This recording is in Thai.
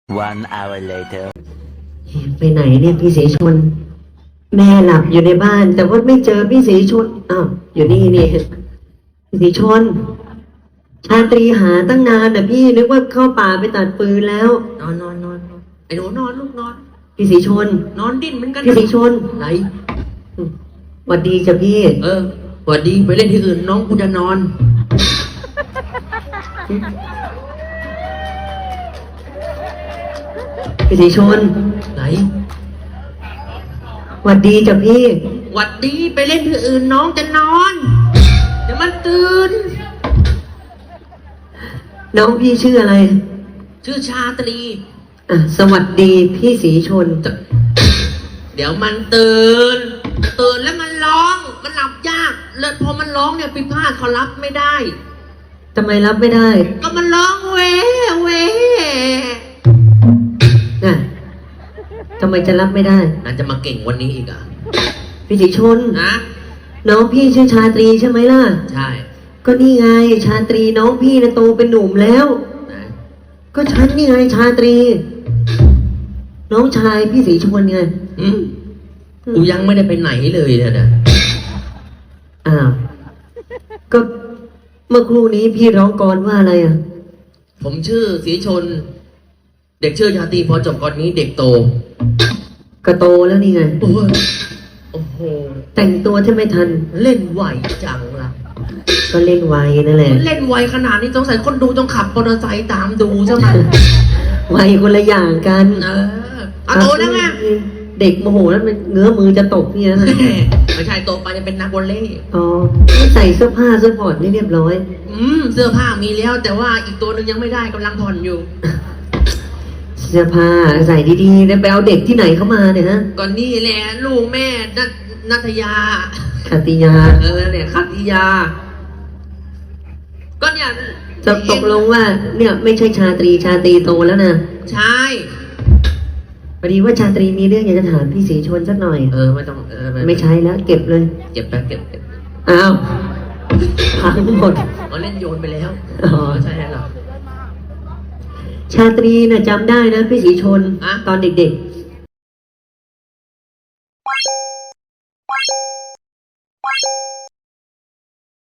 One hour later ไปไหนเนี่ยพี่ศรีชนแม่หลับอยู่ในบ้าน แต่ว่าไม่เจอพี่ศรีชนอ้าวอยู่นี่พี่ศรีชนชาตรีหาตั้งนานน่ะพี่นึกว่าเข้าป่าไปตัดปืนแล้วนอนไอ้หนูนอนลูกนอนพี่ศรีชนนอนดิ้นเหมือนกันพี่ศรีชนไหนหวัดดีจ้ะพี่สวัสดีไปเล่นที่อื่นน้องกูจะนอนพี่ศรีชนไหนหวัดดีจ้ะพี่หวัดดีไปเล่นที่อื่นน้องจะนอนเดี๋ยวมันตื่นน้องพี่ชื่ออะไรชื่อชาตรีสวัสดีพี่ศรีชนเดี๋ยวมันตื่นแล้วมันร้องมันหลับยากเลยพอมันร้องเนี่ยพิพาทเขารับไม่ได้ทำไมรับไม่ได้ก็มันร้องเว้น่ะทำไมจะรับไม่ได้น่าจะมาเก่งวันนี้อีกพี่ศรีชนนะน้องพี่ชื่อชาตรีใช่ไหมล่ะใช่ก็นี่ไงชาตรีน้องพี่นะโตเป็นหนุ่มแล้วก็ฉันนี่ไงชาตรีน้องชายพี่ศรีชนไงกูยังไม่ได้ไปไหนเลยเนี่ยอ้าวก็เมื่อครู่นี้พี่ร้องกลอนว่าอะไรผมชื่อศรีชนเด็กชื่อชาตรีพอจบกรนี้เด็กโตก็โตแล้วนี่ไงโอ้โหแต่งตัวที่ไม่ทันเล่นไวจังล่ะก็เล่นไวนั่นแหละเล่นไวขนาดนี้สงสัยคนดูต้องขับมอเตอร์ไซค์ตามดูใช่ไหมไวคนละอย่างกันโตแล้วไงเด็กโมโหแล้วมันเงื้อมือจะตกนี่นะไม่ใช่โตไปจะเป็นนักวอลเลย์ใส่เสื้อผ้าเสื้อผ่อนนี่เรียบร้อยเสื้อผ้ามีแล้วแต่ว่าอีกตัวหนึ่งยังไม่ได้กำลังผ่อนอยู่เสื้อผ้าใส่ดีๆแล้วไปเอาเด็กที่ไหนเข้ามาเนี่ยฮะก่อนนี่แหละลูกแม่นัทยาคัตติยาเนี่ยคัตติยาก็เนี่ยจะตกลงว่าเนี่ยไม่ใช่ชาตรีโตแล้วนะใช่พอดีว่าชาตรีมีเรื่องอยากจะถามพี่ศรีชนสักหน่อยไม่ต้องไม่ใช่แล้วเก็บเลยเก็บไปเก็บอ้าวพังหมดเล่นโยนไปแล้วใช่หรอชาตรีน่ะจำได้นะพี่ศรีชนตอนเด็ก